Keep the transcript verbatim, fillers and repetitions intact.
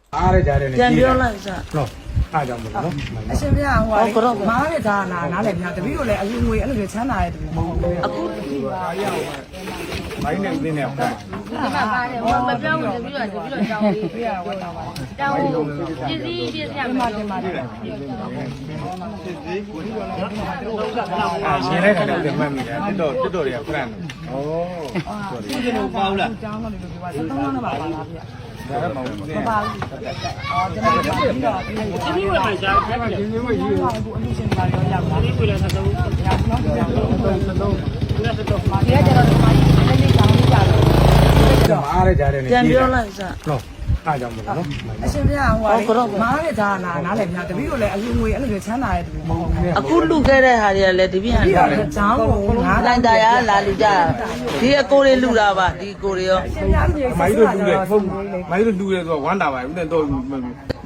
အားရကြတယ်နေပြန်ပြောလိုက်စနော်အားကြောင့်မလို့နော်အရှင်ပြဟိုဟာမားရတာနာနားလည်းပြတပည့်တို့လည်းအလူငွေအဲ့လိုချမ်းသာတဲ့တပည့်မဟုတ်ဘူးအခုမိုင်းနေနေနဲ့ဟုတ်ဒီမှာပါတယ်ဟိုမပြောင်းဘူးတပြီးတော့တပြီးတော့ကြောင်းလေးပြရတော့တာပါတောင်းပစ္စည်းပစ္စည်းရမှာတင်ပါတယ်အာရှင်းလိုက်တယ်ပြန်မှတ်မိတယ်တက်တော့တက်တော့တွေကဖရန်ဩဒီလိုပေါ့လားကျောင်းတော့လည်းပြောပါစသုံးလုံးတော့ပါလားဗျာဒါကမောင်နေမပါဘူးအော်ကျွန်တော်ပြီးတော့ပြီးတော့ဒီလိုပဲရှားတယ်ဒီလိုပဲယူအခုအလူရှင်ပါရောရောက်လာဒီလိုလည်းသုံးရအောင်နော်သုံးသုံးသုံးဒီကကျတော့ဒီမှာလေးလေးကောင်းကြတော့အားရကြတယ်နေပြန်ပြောလိုက်စနော်အားကြောင့်မလို့နော်အရှင်ပြဟိုဟာမားရတာနာနားလည်းပြတပည့်တို့လည်းအလူငွေအဲ့လိုချမ်းသာတဲ့တပည့်မဟုတ်ဘူးအခုလူခဲ့တဲ့ဟာတွေကလည်းဒီပြန်ပြီးလာတော့ကျောင်းကိုငါးလိုက်တာရလာလူကြဒီအကိုတွေလူတာပါဒီကိုတွေရောရှင်ပြမြေမိုင်းတို့လူတယ်ဟုတ်မိုင်းတို့လူတယ်ဆိုတော့ဝမ်းတာပါဦးနဲ့တော့